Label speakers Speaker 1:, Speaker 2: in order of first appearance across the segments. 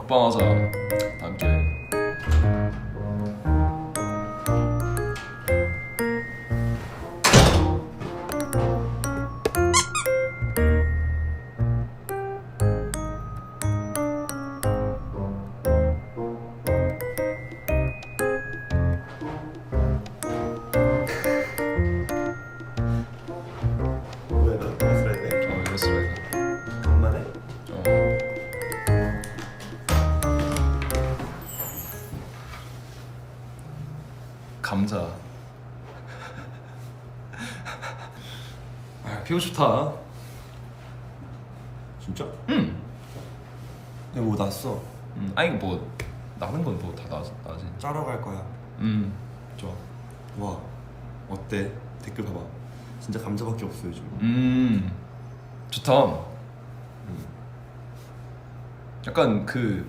Speaker 1: 먹방하자 다음 기회에.
Speaker 2: 뭐야 너 맛을 해야 돼?
Speaker 1: 이거 쓰래.
Speaker 2: 간만에?
Speaker 1: 감자. 피부 좋다.
Speaker 2: 진짜?
Speaker 1: 응.
Speaker 2: 근데 뭐 났어?
Speaker 1: 아니 뭐 나는 건 뭐 다 나지.
Speaker 2: 짜러 갈 거야.
Speaker 1: 좋아.
Speaker 2: 와 어때? 댓글 봐봐. 진짜 감자밖에 없어 요즘.
Speaker 1: 좋다. 약간 그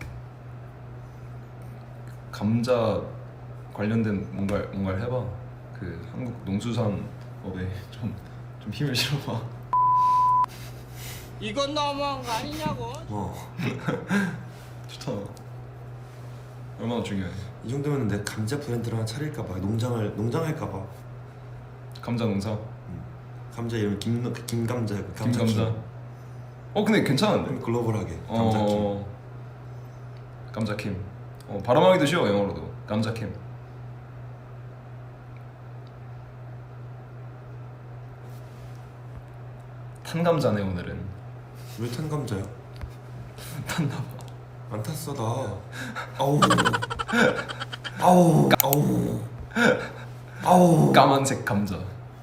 Speaker 1: 감자 관련된 뭔가를 해봐. 그 한국 농수산업에 좀 힘을 실어봐.
Speaker 3: 이건 너무한 거 아니냐고.
Speaker 1: 좋다. 얼마나 중요해.
Speaker 2: 이 정도면 내 감자 브랜드를 하나 차릴까봐. 농장할까봐.
Speaker 1: 감자 농사.
Speaker 2: 감자 이름 김감자.
Speaker 1: 김감자. 근데 괜찮은데.
Speaker 2: 글로벌하게. 감자킴.
Speaker 1: 감자킴. 발음하기도 쉬워 영어로도. 감자킴. 탄 감자네 오늘은.
Speaker 2: 왜 탄 감자야?
Speaker 1: 탔나봐.
Speaker 2: 안 탔어 나. 아우. 아우. 아우. 아우.
Speaker 1: 까만색 감자.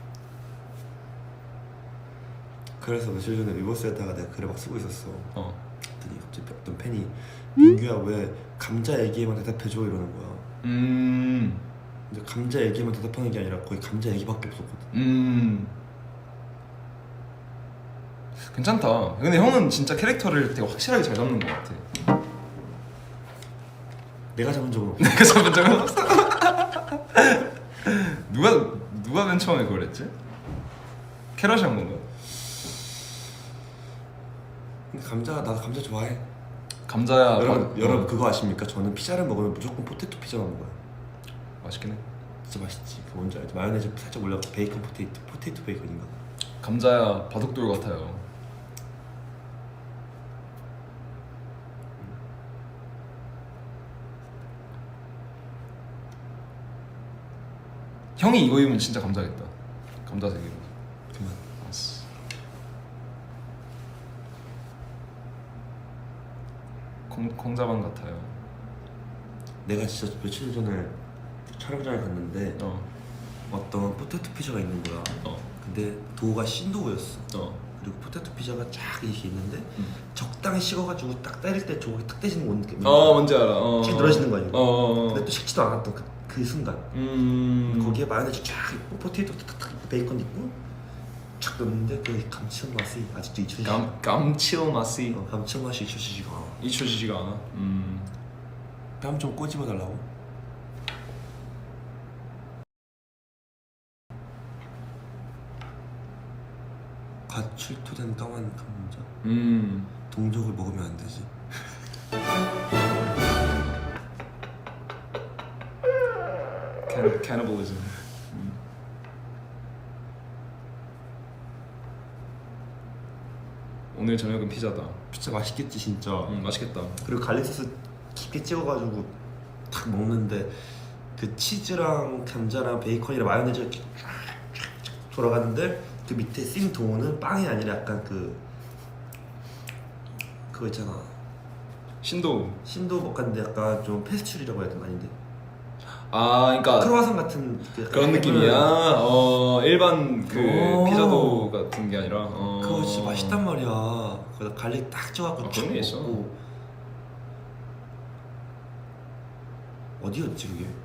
Speaker 2: 그래서 며칠 전에 위버스에다가 내가 글을 막 쓰고 있었어. 그랬더니 갑자기 어떤 팬이 민규야 왜 감자 얘기에만 대답해줘 이러는 거야. 근데 감자 얘기에만 대답하는 게 아니라 거의 감자 얘기밖에 없었거든.
Speaker 1: 괜찮다. 근데 형은 진짜 캐릭터를 되게 확실하게 잘 잡는 것 같아.
Speaker 2: 내가 잡은 적은 없어.
Speaker 1: 내가 잡은 적은 없어. 누가 맨 처음에 그걸 했지? 캐럿이 한 건가?
Speaker 2: 근데 나도 감자 좋아해.
Speaker 1: 감자야.
Speaker 2: 여러분 그거 아십니까? 저는 피자를 먹으면 무조건 포테토 피자만 먹어요.
Speaker 1: 맛있긴 해.
Speaker 2: 진짜 맛있지. 그거 뭔지 알지? 마요네즈 살짝 올려서 베이컨 포테이토 베이컨인가?
Speaker 1: 감자야 바둑돌 같아요. 형이 이거 입으면 진짜 감자겠다. 감자색이로.
Speaker 2: 그만.
Speaker 1: 알았어. 콩자반 같아요.
Speaker 2: 내가 진짜 며칠 전에 촬영장에 갔는데 어떤 포테토 피자가 있는 거야. 근데 도우가 신도우였어. 그리고 포테토 피자가 쫙 이렇게 있는데 적당히 식어가지고 딱 때릴 때 조각이 탁 떼지는 건 느낌.
Speaker 1: 뭔지 알아.
Speaker 2: 쭉 늘어지는 거 아니야? 근데
Speaker 1: 어.
Speaker 2: 또 식지도 않았던 그 순간. 거기에 마요네즈 쫙 있고 포테이토 탁탁 있고 베이컨 있고 쫙 넣는데 그 감칠맛 맛이 아직도 잊혀지지 않아.
Speaker 1: 감칠맛이
Speaker 2: 감칠맛 맛이 잊혀지지가 않아.
Speaker 1: 잊혀지지가 않아.
Speaker 2: 뺨 좀 꼬집어 달라고? 갓 출토된 까만 감자. 동족을 먹으면 안 되지.
Speaker 1: 캐니벌리즘. 오늘 저녁은 피자다.
Speaker 2: 진짜 맛있겠지 진짜.
Speaker 1: 맛있겠다.
Speaker 2: 그리고 갈릭 소스 깊게 찍어가지고 탁 먹는데 그 치즈랑 감자랑 베이컨이랑 마요네즈 이렇게 쫙쫙쫙 돌아가는데 그 밑에 씬 도우는 빵이 아니라 약간 그거 있잖아.
Speaker 1: 신도.
Speaker 2: 신도 먹는데 약간 좀 페스츄리라고 해야 되나 아닌데.
Speaker 1: 그러니까
Speaker 2: 크로와상 같은
Speaker 1: 그런 느낌이야. 일반 그 피자도 같은 게 아니라.
Speaker 2: 그거 진짜 맛있단 말이야. 거기다 갈릭 딱 쪄갖고 쭉
Speaker 1: 그런 게 있어.
Speaker 2: 먹고. 어디였지 그게?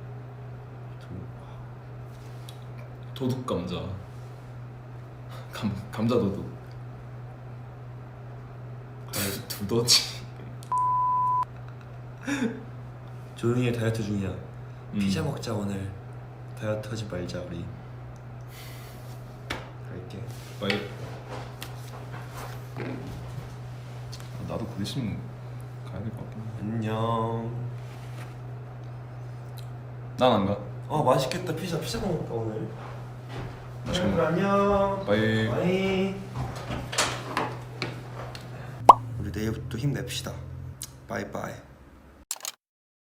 Speaker 1: 도둑 감자. 감자 도둑. 두더지.
Speaker 2: 조용히 해 다이어트 중이야. 피자 먹자 오늘. 다이어트 하지 말자 우리. 갈게.
Speaker 1: 빨리. 나도 그 대신 가야 될 것 같아.
Speaker 2: 안녕.
Speaker 1: 난 안 가.
Speaker 2: 맛있겠다. 피자 먹을까 오늘?
Speaker 1: 맛있게 먹어.
Speaker 2: 안녕.
Speaker 1: 바이.
Speaker 2: 바이. 우리 내일부터 힘냅시다. 바이바이.